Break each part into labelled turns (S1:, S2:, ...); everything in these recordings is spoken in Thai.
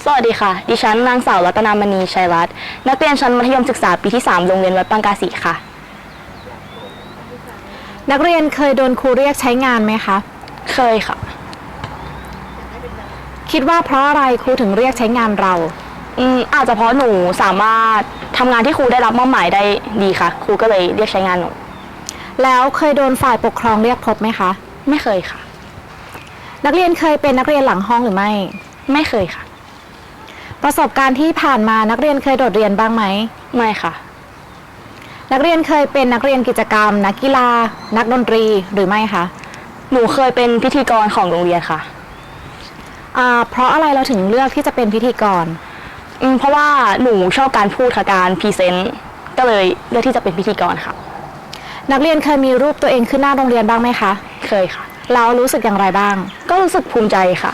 S1: สวัสดีค่ะดิฉันนางสาวรัตนามณีชัยรัตน์นักเรียนชั้นมัธยมศึกษาปีที่3โรงเรียนวัดปังกาสีค่ะ
S2: นักเรียนเคยโดนครูเรียกใช้งานไหมคะ
S1: เคยค่ะ
S2: คิดว่าเพราะอะไรครูถึงเรียกใช้งานเรา
S1: อาจจะเพราะหนูสามารถทำงานที่ครูได้รับมอบหมายได้ดีค่ะครูก็เลยเรียกใช้งานหนู
S2: แล้วเคยโดนฝ่ายปกครองเรียกพบไหมคะ
S1: ไม่เคยค่ะ
S2: นักเรียนเคยเป็นนักเรียนหลังห้องหรือ
S1: ไม่เคยค่ะ
S2: ประสบการณ์ที่ผ่านมานักเรียนเคยโดดเรียนบ้างไหม
S1: ไม่ค่ะ
S2: นักเรียนเคยเป็นนักเรียนกิจกรรมนักกีฬานักดนตรีหรือไม่คะ
S1: หนูเคยเป็นพิธีกรของโรงเรียนค่ะ
S2: เพราะอะไรเราถึงเลือกที่จะเป็นพิธีกร
S1: เพราะว่าหนูชอบการพูดค่ะการพรีเซนต์ก็เลยเลือกที่จะเป็นพิธีกรค่ะ
S2: นักเรียนเคยมีรูปตัวเองขึ้นหน้าโรงเรียนบ้างไหมคะ
S1: เคยค่ะ
S2: แล้วรู้สึกอย่างไรบ้าง
S1: ก็รู้สึกภูมิใจค่ะ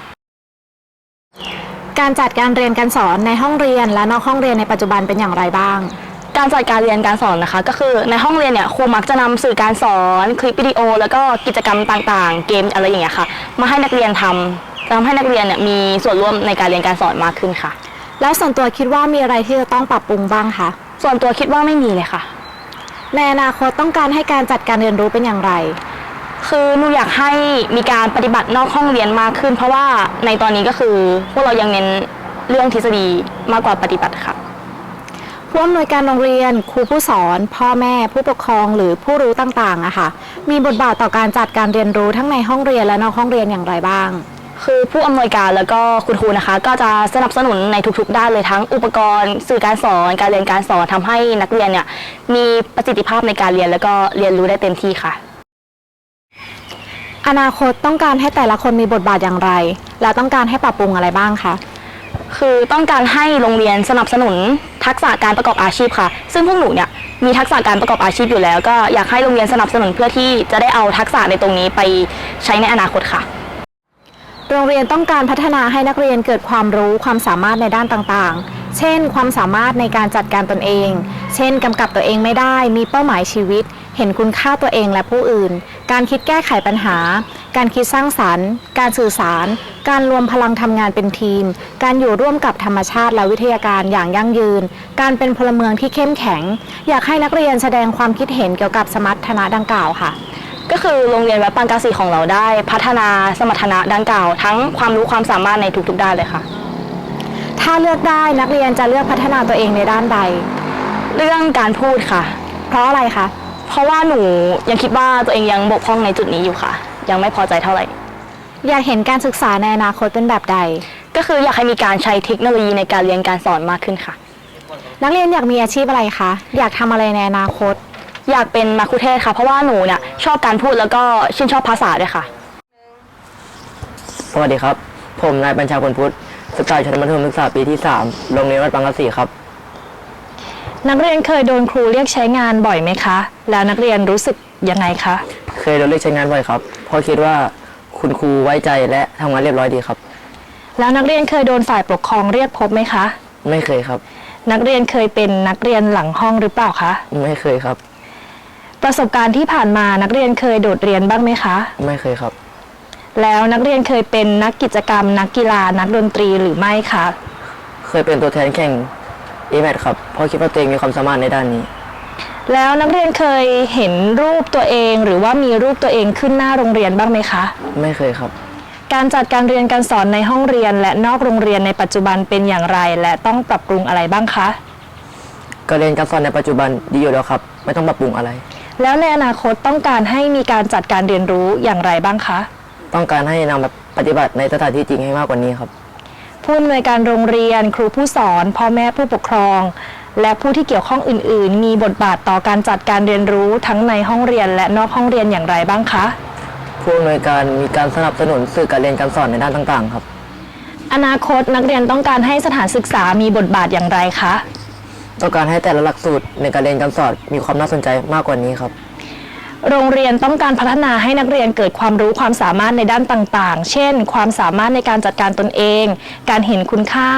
S2: การจัดการเรียนการสอนในห้องเรียนและนอกห้องเรียนในปัจจุบันเป็นอย่างไรบ้าง
S1: การจัดการเรียนการสอนนะคะก็คือในห้องเรียนเนี่ยครูมักจะนำสื่อการสอนคลิปวิดีโอแล้วก็กิจกรรมต่างๆเกมอะไรอย่างเงี้ยค่ะมาให้นักเรียนทำให้นักเรียนเนี่ยมีส่วนร่วมในการเรียนการสอนมากขึ้นค่ะ
S2: แล้วส่วนตัวคิดว่ามีอะไรที่จะต้องปรับปรุงบ้างคะ
S1: ส่วนตัวคิดว่าไม่มีเลยค่ะ
S2: ในอนาคตต้องการให้การจัดการเรียนรู้เป็นอย่างไร
S1: คือหนูอยากให้มีการปฏิบัตินอกห้องเรียนมากขึ้นเพราะว่าในตอนนี้ก็คือพวกเรายังเน้นเรื่องทฤษฎีมากกว่าปฏิบัติค่ะ
S2: ผู้อำนวยการโรงเรียนครูผู้สอนพ่อแม่ผู้ปกครองหรือผู้รู้ต่างๆอะค่ะมีบทบาทต่อการจัดการเรียนรู้ทั้งในห้องเรียนและนอกห้องเรียนอย่างไรบ้าง
S1: คือผู้อำนวยการแล้วก็คุณครูนะคะก็จะสนับสนุนในทุกๆด้านเลยทั้งอุปกรณ์สื่อการสอนการเรียนการสอนทำให้นักเรียนเนี่ยมีประสิทธิภาพในการเรียนแล้วก็เรียนรู้ได้เต็มที่ค่ะ
S2: อนาคตต้องการให้แต่ละคนมีบทบาทอย่างไรและต้องการให้ปรับปรุงอะไรบ้างคะ
S1: คือต้องการให้โรงเรียนสนับสนุนทักษะการประกอบอาชีพค่ะซึ่งพวกหนูเนี่ยมีทักษะการประกอบอาชีพอยู่แล้วก็อยากให้โรงเรียนสนับสนุนเพื่อที่จะได้เอาทักษะในตรงนี้ไปใช้ในอนาคตค่ะ
S2: โรงเรียนต้องการพัฒนาให้นักเรียนเกิดความรู้ความสามารถในด้านต่างๆเช่นความสามารถในการจัดการตนเองเช่นกำกับตัวเองไม่ได้มีเป้าหมายชีวิตเห็นคุณค่าตัวเองและผู้อื่นการคิดแก้ไขปัญหาการคิดสร้างสรรค์การสื่อสารการรวมพลังทำงานเป็นทีมการอยู่ร่วมกับธรรมชาติและวิทยาการอย่างยั่งยืนการเป็นพลเมืองที่เข้มแข็งอยากให้นักเรียนแสดงความคิดเห็นเกี่ยวกับสมรรถนะดังกล่าวค่ะ
S1: ก็คือโรงเรียนวัดปังกาสีของเราได้พัฒนาสมรรถนะดังกล่าวทั้งความรู้ความสามารถในทุกๆด้านเลยค่ะ
S2: ถ้าเลือกได้นักเรียนจะเลือกพัฒนาตัวเองในด้านใด
S1: เรื่องการพูดค่ะ
S2: เพราะอะไรคะ
S1: เพราะว่าหนูยังคิดว่าตัวเองยังบกพร่องในจุดนี้อยู่ค่ะยังไม่พอใจเท่าไหร่
S2: อยากเห็นการศึกษาในอนาคตเป็นแบบใด
S1: ก็คืออยากให้มีการใช้เทคโนโลยีในการเรียนการสอนมากขึ้นค่ะ
S2: นักเรียนอยากมีอาชีพอะไรคะอยากทำอะไรในอนาคต
S1: อยากเป็นมัคคุเทศก์ค่ะเพราะว่าหนูเนี่ยชอบการพูดแล้วก็ชื่นชอบภาษาด้วยค่ะ
S3: สวัสดีครับผมนายบัญชาพลพุทธศึกษาชั้นมัธยมศึกษาปีที่3โรงเรียนวัดปังกาสีครับ
S2: นักเรียนเคยโดนครูเรียกใช้งานบ่อยไหมคะแล้วนักเรียนรู้สึกยังไงคะ
S3: เคยโดนเรียกใช้งานบ่อยครับเพราะคิดว่าคุณครูไว้ใจและทำงานเรียบร้อยดีครับ
S2: แล้วนักเรียนเคยโดนฝ่ายปกครองเรียกพบไหมคะ
S3: ไม่เคยครับ
S2: นักเรียนเคยเป็นนักเรียนหลังห้องหรือเปล่าคะ
S3: ไม่เคยครับ
S2: ประสบการณ์ที่ผ่านมานักเรียนเคยโดดเรียนบ้างไหมคะ
S3: ไม่เคยครับ
S2: แล้วนักเรียนเคยเป็นนักกิจกรรมนักกีฬานักดนตรีหรือไม่คะ
S3: เคยเป็นตัวแทนแข่งAMAT ครับเพราะคิดว่าตัวเองมีความสามารถในด้านนี้
S2: แล้วนักเรียนเคยเห็นรูปตัวเองหรือว่ามีรูปตัวเองขึ้นหน้าโรงเรียนบ้างไหมคะ
S3: ไม่เคยครับ
S2: การจัดการเรียนการสอนในห้องเรียนและนอกโรงเรียนในปัจจุบันเป็นอย่างไรและต้องปรับปรุงอะไรบ้างคะ
S3: การเรียนการสอนในปัจจุบันดีอยู่แล้วครับไม่ต้องปรับปรุงอะไร
S2: แล้วในอนาคตต้องการให้มีการจัดการเรียนรู้อย่างไรบ้างคะ
S3: ต้องการให้นำแบบปฏิบัติในสถานที่จริงให้มากกว่านี้ครับ
S2: ผู้อำนวยการโรงเรียนครูผู้สอนพ่อแม่ผู้ปกครองและผู้ที่เกี่ยวข้องอื่นๆมีบทบาทต่อการจัดการเรียนรู้ทั้งในห้องเรียนและนอกห้องเรียนอย่างไรบ้างคะ
S3: ผู้อำนวยการมีการสนับสนุนสื่อการเรียนการสอนในด้านต่างๆครับ
S2: อนาคตนักเรียนต้องการให้สถานศึกษามีบทบาทอย่างไรคะ
S3: ต้องการให้แต่ละหลักสูตรในการเรียนการสอนมีความน่าสนใจมากกว่านี้ครับ
S2: โรงเรียนต้องการพัฒนาให้นักเรียนเกิดความรู้ความสามารถในด้านต่างๆเช่นความสามารถในการจัดการตนเองการเห็นคุณค่า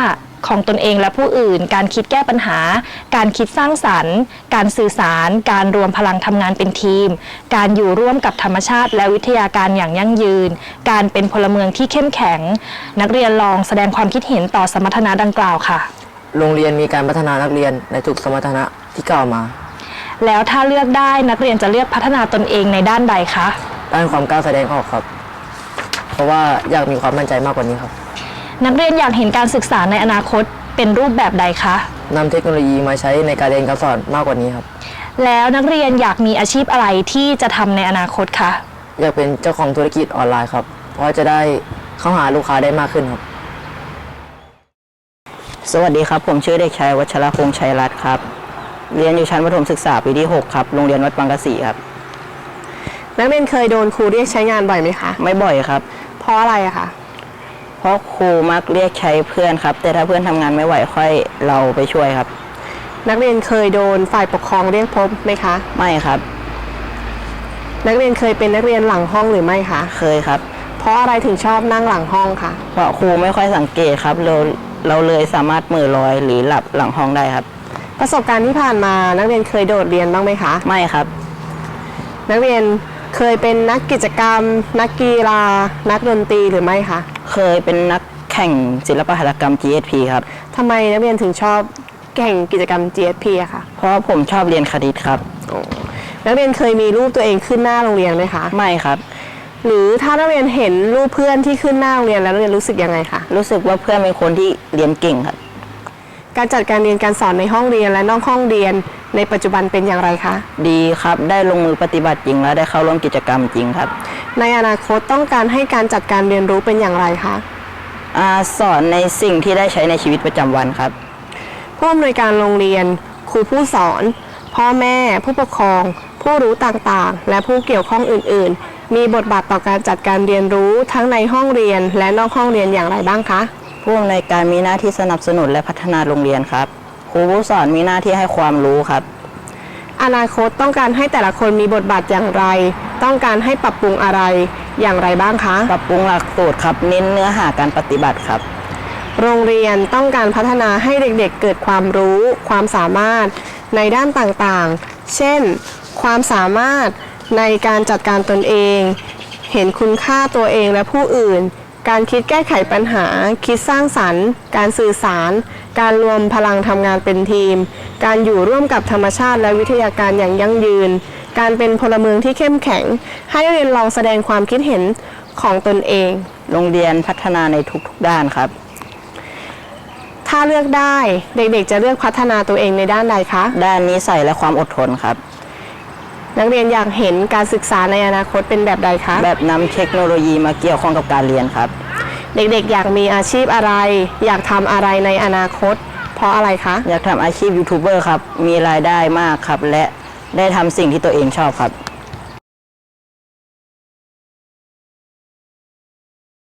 S2: ของตนเองและผู้อื่น การคิดแก้ปัญหา การคิดสร้างสรรค์ การสื่อสาร การรวมพลังทำงานเป็นทีม การอยู่ร่วมกับธรรมชาติและวิทยาการอย่างยั่งยืน การเป็นพลเมืองที่เข้มแข็ง นักเรียนลองแสดงความคิดเห็นต่อสมรรถนะดังกล่าวค่ะ
S3: โรงเรียนมีการพัฒนานักเรียนในทุกสมรรถนะที่กล่าวมา
S2: แล้วถ้าเลือกได้นักเรียนจะเลือกพัฒนาตนเองในด้านใดคะ
S3: ด้านความกล้าแสดงออกครับ เพราะว่าอยากมีความมั่นใจมากกว่านี้ครับ
S2: นักเรียนอยากเห็นการศึกษาในอนาคตเป็นรูปแบบใดคะ
S3: นำเทคโนโลยีมาใช้ในการเรียนการสอนมากกว่านี้ครับ
S2: แล้วนักเรียนอยากมีอาชีพอะไรที่จะทำในอนาคตคะ
S3: อยากเป็นเจ้าของธุรกิจออนไลน์ครับ เพราะจะได้เข้าหาลูกค้าได้มากขึ้นครับ
S4: สวัสดีครับผมชื่อเด็กชายวัชรพงษ์ชัยรัตน์ครับเรียนอยู่ชั้นประถมศึกษาปีที่ 6 ครับโรงเรียนวัดบางกะสีครับ
S5: นักเรียนเคยโดนครูเรียกใช้งานบ่อยไหมคะ
S4: ไม่บ่อยครับ
S5: เพราะอะไรอะคะ
S4: เพราะครูมักเรียกใช้เพื่อนครับ แต่ถ้าเพื่อนทำงานไม่ไหวค่อยเราไปช่วยครับ
S5: นักเรียนเคยโดนฝ่ายปกครองเรียกพบไหมคะ
S4: ไม่ครับ
S5: นักเรียนเคยเป็นนักเรียนหลังห้องหรือไม่คะ
S4: เคยครับ
S5: เพราะอะไรถึงชอบนั่งหลังห้องคะ
S4: เพราะครูไม่ค่อยสังเกตครับเราเลยสามารถมือลอยหรือหลับหลังห้องได้ครับ
S5: ประสบการณ์ที่ผ่านมานักเรียนเคยโดดเรียนบ้างไหมคะ
S4: ไม่ครับ
S5: นักเรียนเคยเป็นนักกิจกรรม นักกีฬา นักดนตรีหรือไม่คะ
S4: เคยเป็นนักแข่งศิลปหัตถกรรม GSP ครับ
S5: ทำไมนักเรียนถึงชอบแข่งกิจกรรม GSP อะคะ
S4: เพราะผมชอบเรียนคณิตครับ
S5: นักเรียนเคยมีรูปตัวเองขึ้นหน้าโรงเรียนไหมคะ
S4: ไม่ครับ
S5: หรือถ้านักเรียนเห็นรูปเพื่อนที่ขึ้นหน้าโรงเรียนแล้วนักเรียนรู้สึกยังไงคะ
S4: รู้สึกว่าเพื่อนเป็นคนที่เรียนเก่งครับ
S5: การจัดการเรียนการสอนในห้องเรียนและนอกห้องเรียนในปัจจุบันเป็นอย่างไรคะ
S4: ดีครับได้ลงมือปฏิบัติจริงและได้เข้าร่วมกิจกรรมจริงครับ
S5: ในอนาคตต้องการให้การจัดการเรียนรู้เป็นอย่างไรคะ
S4: สอนในสิ่งที่ได้ใช้ในชีวิตประจำวันครับ
S5: ผู้อำนวยการโรงเรียน ครูผู้สอน พ่อแม่ ผู้ปกครอง ผู้รู้ต่างๆ และผู้เกี่ยวข้องอื่นๆ มีบทบาทต่อการจัดการเรียนรู้ทั้งในห้องเรียนและนอกห้องเรียนอย่างไรบ้างคะ
S4: ผู้อำนวยการมีหน้าที่สนับสนุนและพัฒนาโรงเรียนครับครูผู้สอนมีหน้าที่ให้ความรู้ครับ
S5: อนาคตต้องการให้แต่ละคนมีบทบาทอย่างไร ต้องการให้ปรับปรุงอะไรอย่างไรบ้างคะ
S4: ปรับปรุงหลักสูตรครับเน้นเนื้อหาการปฏิบัติครับ
S5: โรงเรียนต้องการพัฒนาให้เด็กๆเกิดความรู้ ความสามารถในด้านต่างๆ เช่น ความสามารถในการจัดการตนเอง เห็นคุณค่าตัวเองและผู้อื่น การคิดแก้ไขปัญหา คิดสร้างสรรค์ การสื่อสาร การรวมพลังทำงานเป็นทีม การอยู่ร่วมกับธรรมชาติและวิทยาการอย่างยั่งยืน การเป็นพลเมืองที่เข้มแข็ง ให้นักเรียนลองแสดงความคิดเห็นของตนเอง
S4: โรงเรียนพัฒนาในทุกๆด้านครับ
S5: ถ้าเลือกได้เด็กๆจะเลือกพัฒนาตัวเองในด้านใดคะ
S4: ด้านนิสัยและความอดทนครับ
S5: นักเรียนอยากเห็นการศึกษาในอนาคตเป็นแบบใดคะ
S4: แบบนำเทคโนโลยีมาเกี่ยวข้องกับการเรียนครับ
S5: เด็กๆอยากมีอาชีพอะไร อยากทำอะไรในอนาคต เพราะอะไรคะ
S4: อยากทำอาชีพยูทูบเบอร์ครับมีรายได้มากครับและได้ทำสิ่งที่ตัวเองชอบครับ